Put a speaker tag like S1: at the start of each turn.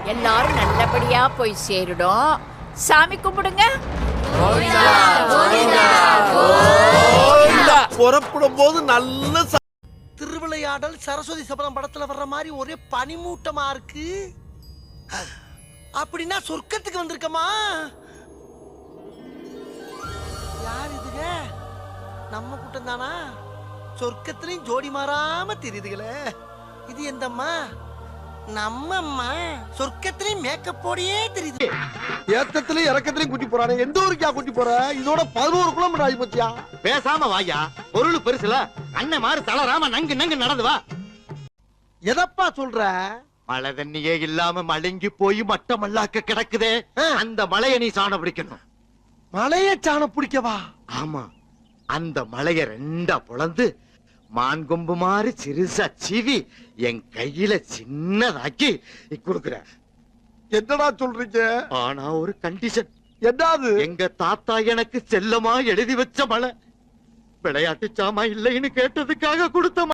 S1: எல்லாரும் நல்லபடியா போய் சேருடும். சாமி கும்பிடுங்க.
S2: புறப்படும் போது நல்ல
S3: திருவிளையாடல் சரஸ்வதி சபதம் படத்துல வர்ற மாதிரி ஒரே பனிமூட்டமா இருக்கு. அப்படின்னா சொர்க்கத்துக்கு வந்திருக்கமா? யார் இதுங்க? நம்ம கூட்டம் தானா? சொர்க்கத்திலையும் ஜோடி மாறாம தெரியுதுங்களே. இது எந்தம்மா? நம்ம அம்மா. சொர்க்கத்திலையும் மேக்கப் போடியே தெரியுது.
S2: ஏத்தத்திலயும் இறக்கத்திலயும் கூட்டி போறானே. எந்த ஊருக்கா கூட்டி போற? இதோட 11 கிலோமீட்டர் ஆகி போச்சியா?
S4: பேசாம வாயா, பொருள் பெருசுல அண்ணன் மாதிரி தளராம நங்கு நங்கு நடந்து வா.
S2: எதப்பா சொல்ற?
S4: மழை தண்ணியே இல்லாம மழுங்கி போய் மட்டமல்லாக்க கிடக்குதே, அந்த மலைய நீ சாண பிடிக்கணும்.
S2: மலைய சாண பிடிக்கவா?
S4: ஆமா, அந்த மலைய ரெண்டா பொளந்து மான் கொம்பு மாதிரி சிறுசா சீவி என் கையில சின்னதாக்கி கொடுக்குற.
S2: என்னடா சொல்றீங்க?
S4: ஆனா ஒரு கண்டிஷன்.
S2: என்னது?
S4: எங்க தாத்தா எனக்கு செல்லமா எழுதி வச்ச மலை. விளையாட்டு சாமா இல்லைன்னு கேட்டதுக்காக கொடுத்த